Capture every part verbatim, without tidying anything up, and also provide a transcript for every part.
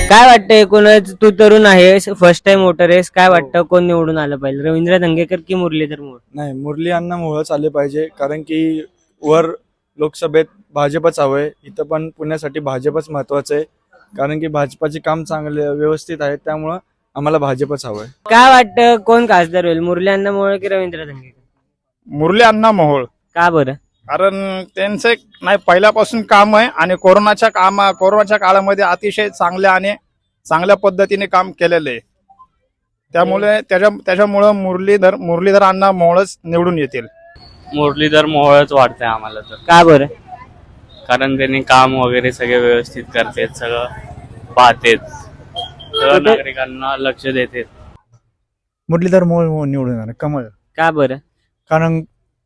काय वाटतं एकूणच तू तरुण आहेस, फर्स्ट टाइम वोटर आहेस, काय वाटतं कोण निवडून आलं पाहिजे, रवींद्र धंगेकर की मुरलीधर मोहोळ? नाही, मुरली अण्णा मोहोळच आले पाहिजे, कारण की वर लोकसभेत भाजपच हवंय. इथं पण पुण्यासाठी भाजपच महत्वाचं आहे, कारण की भाजपाचे काम चांगले व्यवस्थित आहेत, त्यामुळं आम्हाला भाजपच हवंय. काय वाटतं कोण खासदार होईल, मुरली अण्णा मोहोळ की रवींद्र धंगेकर? मुरली अण्णा मोहोळ. का बरं? कारण त्यांचं एक नाही पहिल्यापासून काम आहे आणि कोरोनाच्या कामा कोरोनाच्या काळामध्ये अतिशय चांगल्या आणि चांगल्या पद्धतीने काम केलेलं आहे. त्यामुळे त्याच्या त्याच्यामुळं मुरलीधर मुरलीधर अण्णा मोहोळच निवडून येतील. मुरलीधर मोहोळच वाटतंय आम्हाला तर, का बरं? कारण त्यांनी काम वगैरे सगळे व्यवस्थित करतेत, सगळं पाहतेत, सगळं नागरिकांना लक्ष देतेत. मुरलीधर मोहोळ निवडून येणार कमळ. का बरं? कारण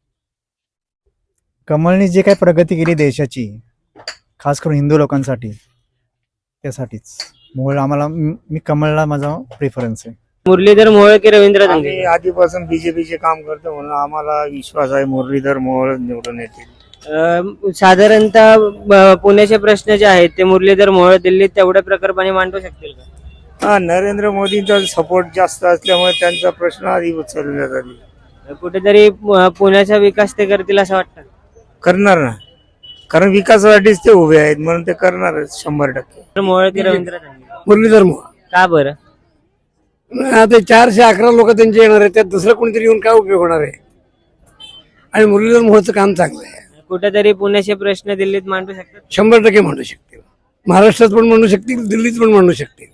कमळने जे काही प्रगती केली देशाची, खास करून हिंदू लोकांसाठी, त्यासाठीच मोहोळ आम्हाला, मी कमळला माझा प्रेफरन्स आहे. मुरलीधर मोहोळ की रवींद्र आम्ही धंगेकर? आधीपासून बीजेपीचे काम करतो म्हणून आम्हाला विश्वास आहे मुरलीधर मोहोळ निवडून येतील. अं, साधारणतः ब- पुण्याचे प्रश्न जे आहेत ते मुरलीधर मोहोळ दिल्लीत तेवढ्या प्रकल्पाने मांडू शकतील का? हा, नरेंद्र मोदींचा सपोर्ट जास्त असल्यामुळे त्यांचा प्रश्न आधी उचलण्यात आली. कुठेतरी अं, पुण्याचा विकास ते करतील असं वाटतं? करणार ना, कारण विकासासाठीच ते उभे आहेत म्हणून ते करणारच शंभर टक्के. मोहोळ की रवींद्र धंगेकर? मुरलीधर मोहोळ. का बरं? आता चारशे अकरा लोक त्यांचे येणार आहेत, त्यात दुसरं कोणीतरी येऊन काय उपयोग होणार आहे? आणि मुरलीधर मोहोळचं काम चांगलं आहे, कुठेतरी पुण्याचे प्रश्न दिल्लीत मांडू शकतात? शंभर टक्के म्हणू शकतील. महाराष्ट्रात पण म्हणू शकतील, दिल्लीत पण म्हणू शकतील.